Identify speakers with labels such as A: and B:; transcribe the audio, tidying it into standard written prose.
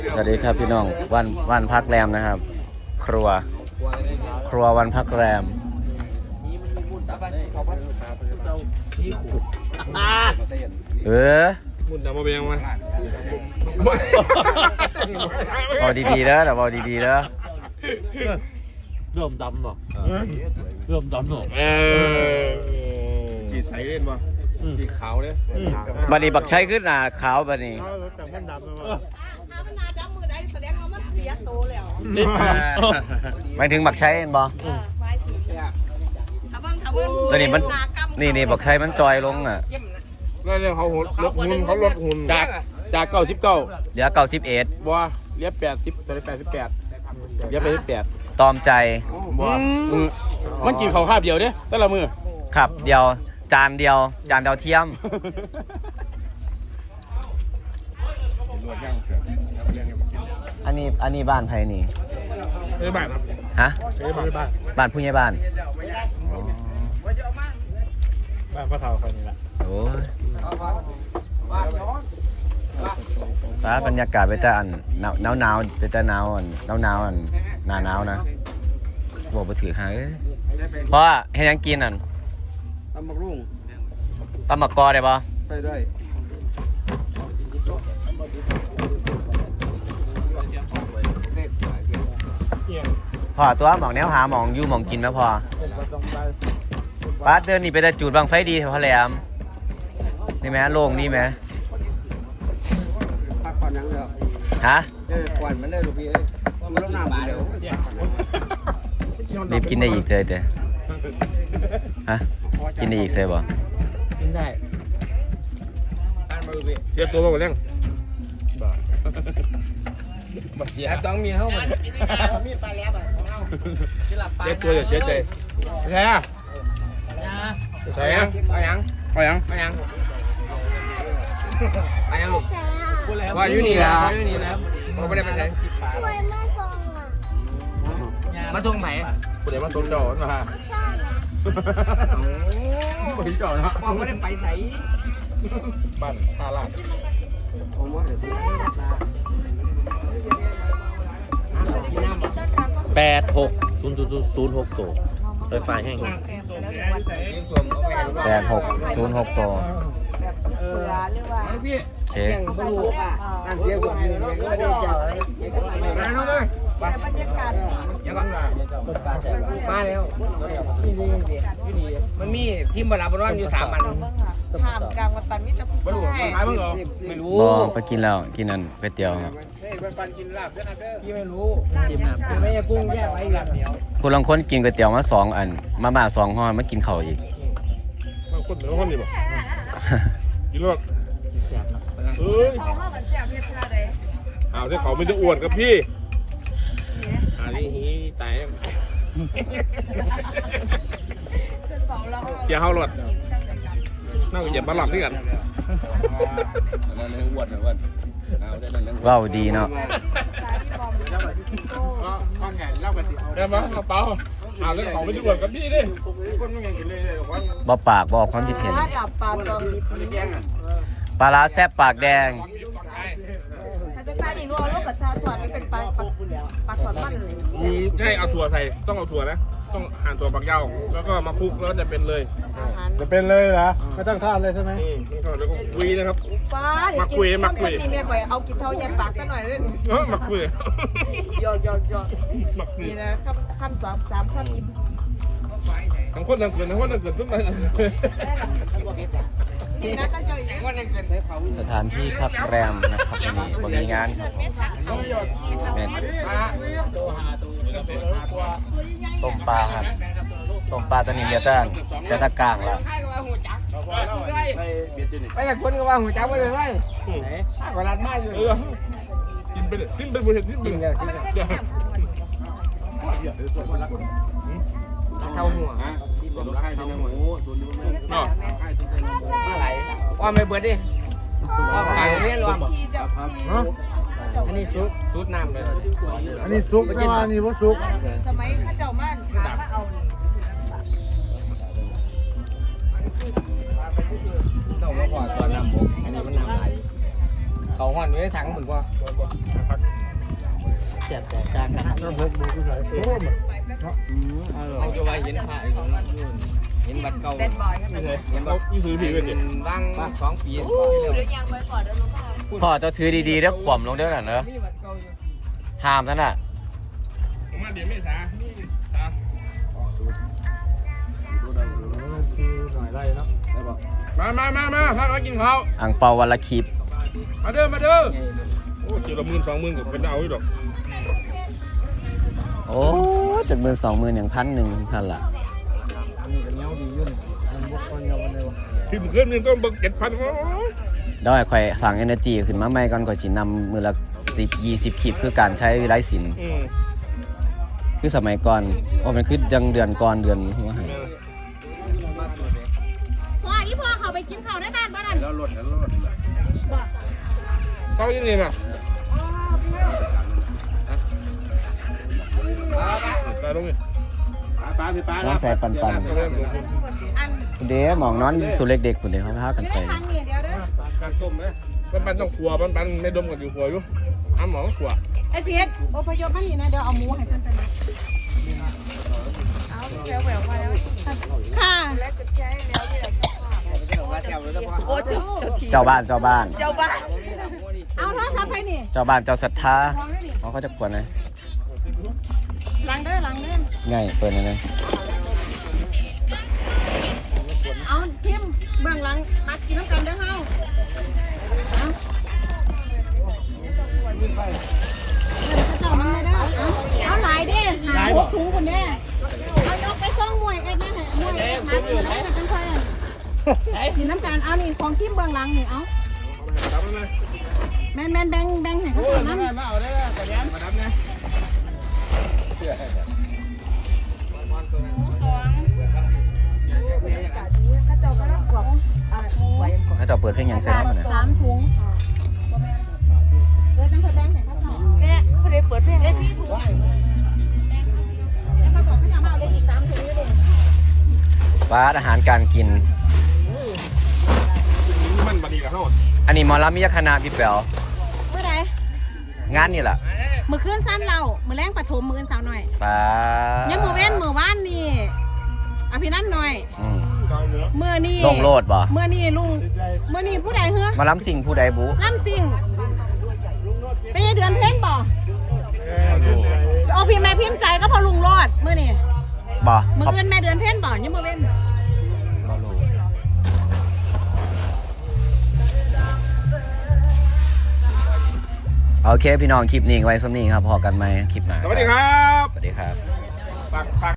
A: สวัสดีครับพี่น้องวันพักแรมนะครับ ครัววันพักแรม
B: มุนดำมาเบียงมา
A: เอาดีๆแล้วเดี๋ยวเอาดีๆแล้ว
C: เริ่มดำหรอเริ่มดำหรอ
B: จีใสเล่นบ่จีขาวเนี่ย
A: บัดนี้บักใช้ขึ้นหน้าขาวบัดนี้
B: แต่มันดำเลย
D: ถ้ามันนาจับมือได้แสดงว่ามันเสียโตแล้ว
A: หมายถึงบักใช้เห็นบ่
D: ไม้ถึงถ้าเบิ่ง
A: ตัวนี้มันนี่บักใช้มันจอยลงอ่ะ
B: นั่นเนี่ยเขาลดหุ่นเขาลดหุ่นจาก99
A: เหลือ91
B: บัวเรียบ80ตอนนี้88เรียบ88
A: ตอมใจ
B: บัวมันกินข้าวคาบเดียวเด้แต่ละมือ
A: ครับจานเดียวเทียมอันนี้บ้านไผนี่
B: ไม่บ้านครับ
A: ฮะ
B: ไม่บ้าน
A: บ้านผู้ใหญ่บ้าน
B: พ่อเฒ่าคนนี้แหละ
A: โอ้ยฟ้าบรรยากาศไปแต่อันหนาวไปแต่หนาวอันหนาวอันหน้าหนาวนะบอกไปถือหาเพราะให้ยังกินอัน
B: ตำบักรุ่ง
A: ตำบักกอได้ปะ
B: ไปได้
A: พอตัวหมองแนวหาหมองอยู่หมองกินไหมพอป้าเดินนี่ไปแต่จูดบางไฟดีพอแหลมนี่ไหมโล่งนี่ไหม
B: พักผ่อนยังเดียว
A: ฮะ
B: ก่อนมันได้ลูกพี่มันต้องน้ำเดียว
A: รีบกินได้อีกเลยเด้ฮะกินได้อีกเลยบ่
C: กินได้
B: เสียบตัวมาหมดแล้วเสียต้องมีเข้ามา
D: มีดไปแล้วแบบของเรา
B: เสียบตัวอย่าเสียใจแช่ใส่ยังเอายังลูกว่าอยู่นี่แล้วเราไม่ได้มาใช้มาทงไหนผู้ใดมาทงเจ้านะฮะผู้ใดเจ้านะไม่ได้ไปใส่บ้านท่าลาด
C: 860006ตัวไฟฟ้าแห้ง
A: 8606ตัว
D: เสือเรียกว่า
A: โอเค
D: บรรลุอ่ะการเที่ยวแบบนี้ก็ได้เจอแต่บรรยากาศ
B: มาแล้วนี่มันมีทีมบอลบอลวันอยู่3 อัน
D: ถามกลางวันปันมิตรผู้ชาย
B: ไม่รู้
A: ไปกินแล้วกินนั่นก๋วยเตี๋ยวครับ
B: พี่ไม่รู้จิ้มน้ำไม่ใช่กุ้งแยกไว้แบบเดียว
A: คุณลองคนกินก๋วยเตี๋ยวมา2 อันมาม่า2 ห่อมากินข้าวอีก
B: คนเหนือคนนี่บ่กินรส
D: เขาว่ามันเสียเพียงเท่าใด
B: เอาที่เขาไม่ได้อวดกับพี่นี่ฮีตายเสียเฮารถน่าจะเหยียบมาหลับด้วยกัน
A: ว้าวดีเนาะ
B: เดี๋ยวมากระเป๋าเอาที่เขาไม่ได้อวดกับพี่ดิคนไม่ยังกินเลย
A: บ่ปากบอกความคิดเห็นปลาร้าแซ่บปากแดง
D: ถ้าจะใส่นี่นัวลูกกับชาถอนนี่เป็นปลาถอนมันเลย
B: ใช่เอาถั่วใส่ต้องเอาถั่วนะต้องหั่นถั่วฝักยาวแล้วก็มาคลุกแล้วจะเป็นเลย
C: จะเป็นเลยเหรอไม่ต้องทอดเลยใช่ไหม
B: แล้วก็คุยนะครับ
D: มาคุยนี่แม่ไปเอากินเท่าแย่ปากกันหน่อยเลย
B: มาคุย
D: ยอนี่นะคำ3 คำนี้
B: ทั้งคนทั้งเกินทุกอย่าง
A: สถานที่พักแรมนะครับวันนี้มีงานต้มปลาครับต้มปลาตัวนี้เดียวแต่ตะกลางละ
B: ไปกับคนก็ว่าหัวจับไปเลยไรกว่ารัดไม้อยู่กินไปเลยกินไปหมดกินไปเลยเท่าหัวว่าไม่เบิดดิว่าไก่เนี่ยรวมอันนี้ซุปน้ำเลย
C: อันนี้ซุกอันนี้ว่าซุก
D: สมัยข้าเจ้ามั่นถามว่าเอา
B: ต้องมาขอตอนน้ำบกอันนี้มันน้ำไหลเขาห่อนไว้ถังเหมือนว่า
C: แสบแตกต่างกัน
B: เราจะไว้เห็นผ้าเห็นบัตรเก่าเห็นบัตรซื้อผีเป็นร่าง2 ปี
D: เดี๋ยวยังไว้ก่อนเดี๋ยวลงมา
A: พ่อเจ้าถือดีๆแล้วขวมลงเด้อน่ะเนอะห้ามนั่นน่ะ
B: มาเดี๋ยวไม่สาสามาพาเรากินข้าว
A: อังเปาวันละคลิป
B: มาเด้อโอ้เจียวละ10,000 20,000ก็เป็นเอาอยู่ดอก
A: โอ้จาก12,000อย่าง1,100พันละ
B: ที่มันขึ้นนึงก็เบิก7,000
A: เดี๋ยวให้ข่อยสั่ง energy ขึ้นมาใหม่ก่อนข่อยสินำมือละ10-20คลิปคือการใช้วิไลศิลป์คือสมัยก่อนว่ามันคือจังเดือนก่อนเดือนว่าหั่น
D: พ่ออีพ่อเขาไปกินข้าวในบ้านบ้านนั่น
B: เขาอย่างนี้ป่ะไปลงนี่
A: น้องแฟปัน
D: อัน
A: คุณเด้หมองนอนสุเล็กเด็กคุณเด้เขาพากันไป
D: ทางนี้เดี๋ยวเด้อ
B: การต้มไหมปันต้องขัวปันไม่ดมกันอยู่ขัวอยู่อ้ำหมอขัว
D: ไอ้เสียดอพยพมานี่นะเดี๋ยวเอาหมูให้เพิ่นไปนะเอาแหววมาแล้วค่ะแล้วก็ใช้แล้วเนี่ยโอ้เจ้าที
A: เจ้าบ้าน
D: เจ้าบ้านเอาโทรศัพท์ไปนี่
A: เจ้าบ้านเจ้าศรัทธาม
D: องได้นี่
A: เขาจะควรเลย
D: หลังเด้อ
A: ง่ายเปิดเลย
D: เอาทิมเบื้องหลังมากินน้ำกันเด้อเฮาเอาเจ้ามันเลยเด้อเอาหลายเด้หา6 ถุงคนเด้เอายกไปซ่องมวยกันนะมวยหาซื้อได้มาจังค่อยกินน้ำกันเอานี่ของทิมเบื้องหลังนี่เอาแม่นแบ่งให้เขาน้ำ
B: มาเอาได้แล้วแต่ยังมาดำนะ
A: ถ้าเจ้าเปิดเพลงยังเสร็จแล้วเนี่ย
D: 3 ถุงจังค่อยแบ่งให้เขาเนาะแม่บ่ได้เปิดเพลงได้4 ถุงแล้วมาบอกให้เอามาเอาเลยอีก3 ถุงอยู่ดิ
A: ป้าอาหารการกิน
B: มันบดีกับเขา
A: อันนี้หมอลำมิยคณะพี่แป๋ว
D: เมื่อไหร่
A: งานนี่แหละ
D: มื้อคืนสั้นเรามื้อแรงปฐมมื้ออื่นสาวหน่อย
A: ป้า
D: ยังมื้อเว้นมื้อวานนี่อภินันท์หน่อย
A: อืม
D: มื้อนี้
A: ลงโลดบ่
D: มื้อนี้ลุงมื้อนี้ผู้ใดเฮ้อ
A: หมาล้ำสิ่งผู้ใดบุ
D: ลำซิ่งเป็นเดือนเพ็ญบ่เอาพี่แม่พิมพ์ใจก็พอลุงรอดมื้อนี้
A: บ่
D: มื้อ
A: เขา
D: อื่นแม่เดือนเพ็ญบ่ยังมื้อเว้น
A: บ่รู้โอเคพี่น้องคลิปนี้ไว้สำนี้ครับพอกันไหมคลิปหน้า
B: สวัสดีครับ
A: สวัสดีครับ
B: ปัก